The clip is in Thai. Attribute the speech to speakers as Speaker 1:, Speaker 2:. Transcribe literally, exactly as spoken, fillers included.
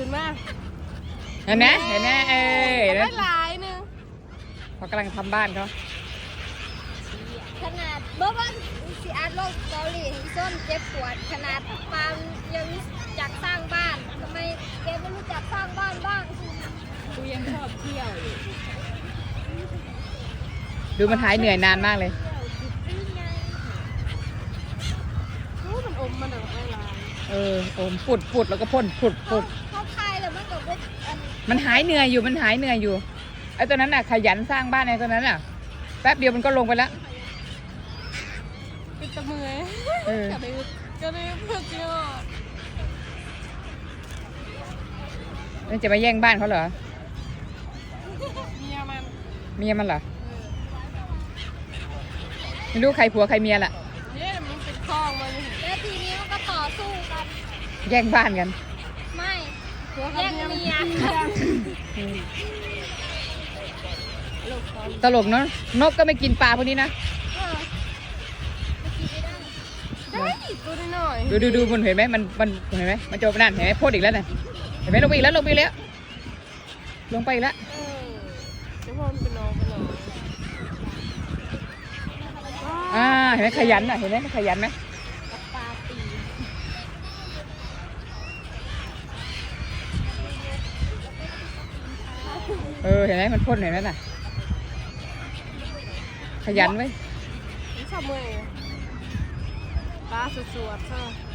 Speaker 1: ขึ้นมา
Speaker 2: เห็นไหมเห็นไหมเออเห็นไหม
Speaker 1: ไม่หลายนึง
Speaker 2: เขากำลังทำบ้านเขา
Speaker 3: ขนาดเมื่อวันสิอาร์ตโลกเกาหลีส้นเจ็บปวดขนาดปามยังจักสร้างบ้านทำไมแกไม่รู้จักสร้างบ้านบ้าง
Speaker 1: กูยังชอบเที่ยวอยู่
Speaker 2: ดูมันหายเหนื่อยนานมากเลย
Speaker 1: รู้มันอมมันแบบไม่ลาย
Speaker 2: เอออมปุดปุดแล้วก็พ่นปุดปุด
Speaker 3: เขาคายเลยมันก็เป็น
Speaker 2: มันหายเหนื่อยอยู่มันหายเหนื่อยอยู่ไอ้ตัวนั้นน่ะขยันสร้างบ้านไอ้ตัวนั้นน่ะแป๊บเดียวมันก็ลงไปแล้ว
Speaker 1: ปิดตะมือ
Speaker 2: เออ
Speaker 1: ก็เลยก็เลยเพื่อเจอ
Speaker 2: มันจะมาแย่งบ้านเขาเหรอ
Speaker 1: เมียมัน
Speaker 2: เมียมันเหรอไม่รู้ใครผัวใครเมียล่ะ
Speaker 1: เนี่ยมันเป็นคลองมัน
Speaker 3: แล้วทีนี้มันก็ต่อสู้กัน
Speaker 2: แย่งบ้านกัน
Speaker 3: ไม่แย่งเมีย
Speaker 2: ตลกเนาะนกก็ไม่กินปลาพวกนี้นะ
Speaker 1: ได้ตัวน้อย
Speaker 2: ดูดูดูมันเห็นไหมมันมันเห็นไหมมันจะนั่นเห็นไหมพ่นอีกแล้วน่ะเห็นไหมลงไปอีกแล้วลงไปอีกแล้วลงไปอีกแล้ว
Speaker 1: เออจะพ่อมันเป็นน้องเป็นน้อง
Speaker 2: อ่าเห็นไหมขยันอ่ะเห็นไหมขยันไหม
Speaker 3: ปลาตี
Speaker 2: เออเห็นไหมมันพ่นเห็นไหมน่ะขยันไว้
Speaker 1: ชอบมือปลาสวดๆใช่